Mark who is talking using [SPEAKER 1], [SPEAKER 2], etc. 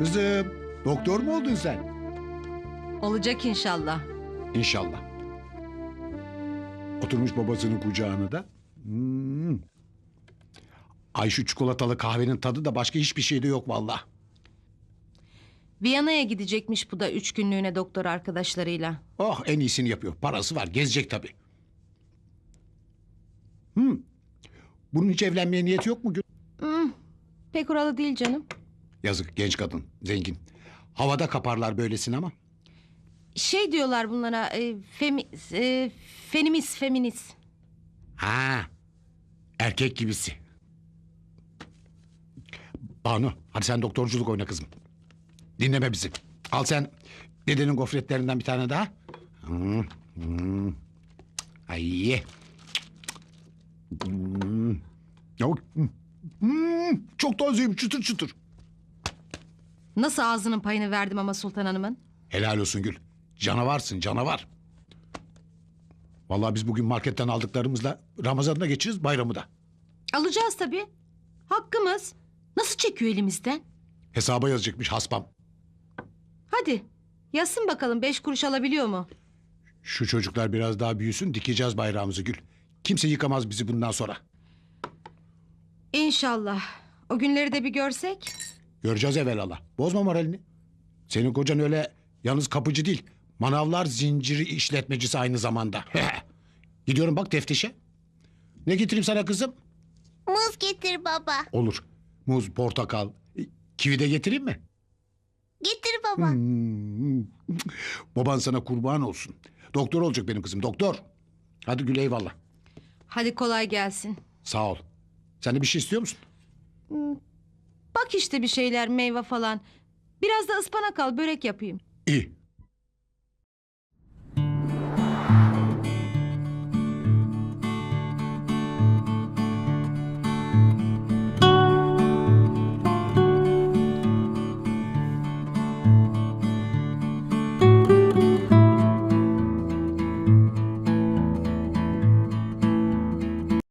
[SPEAKER 1] Kızım, doktor mu oldun sen?
[SPEAKER 2] Olacak inşallah.
[SPEAKER 1] İnşallah. Oturmuş babasının kucağına da. Ay şu çikolatalı kahvenin tadı da başka hiçbir şeyde yok vallahi.
[SPEAKER 2] Viyana'ya gidecekmiş bu da 3 günlüğüne doktor arkadaşlarıyla.
[SPEAKER 1] Oh, en iyisini yapıyor. Parası var, gezecek tabii. Bunun hiç evlenmeye niyeti yok mu?
[SPEAKER 2] Pek oralı değil canım.
[SPEAKER 1] Yazık, genç kadın, zengin. Havada kaparlar böylesini ama.
[SPEAKER 2] Şey diyorlar bunlara feminist.
[SPEAKER 1] Ha, erkek gibisi. Banu, hadi sen doktorculuk oyna kızım. Dinleme bizi. Al sen dedenin gofretlerinden bir tane daha. Ay ye. Çok tazeyim, çıtır çıtır.
[SPEAKER 2] Nasıl ağzının payını verdim ama Sultan Hanım'ın?
[SPEAKER 1] Helal olsun Gül. Canavarsın, canavar. Vallahi biz bugün marketten aldıklarımızla Ramazan'ı da geçiririz, bayramı da.
[SPEAKER 2] Alacağız tabii. Hakkımız. Nasıl çekiyor elimizden?
[SPEAKER 1] Hesaba yazacakmış haspam.
[SPEAKER 2] Hadi yazsın bakalım 5 kuruş alabiliyor mu?
[SPEAKER 1] Şu çocuklar biraz daha büyüsün, dikeceğiz bayrağımızı Gül. Kimse yıkamaz bizi bundan sonra.
[SPEAKER 2] İnşallah. O günleri de bir görsek.
[SPEAKER 1] Göreceğiz evvelallah. Bozma moralini. Senin kocan öyle yalnız kapıcı değil. Manavlar zinciri işletmecisi aynı zamanda. Gidiyorum bak teftişe. Ne getireyim sana kızım?
[SPEAKER 3] Muz getir baba.
[SPEAKER 1] Olur. Muz, portakal, kivi de getireyim mi?
[SPEAKER 3] Getir baba.
[SPEAKER 1] Baban sana kurban olsun. Doktor olacak benim kızım, doktor. Hadi Gül eyvallah.
[SPEAKER 2] Hadi kolay gelsin.
[SPEAKER 1] Sağ ol. Sen de bir şey istiyor musun?
[SPEAKER 2] Bak işte bir şeyler meyve falan. Biraz da ıspanak al börek yapayım.
[SPEAKER 1] İyi.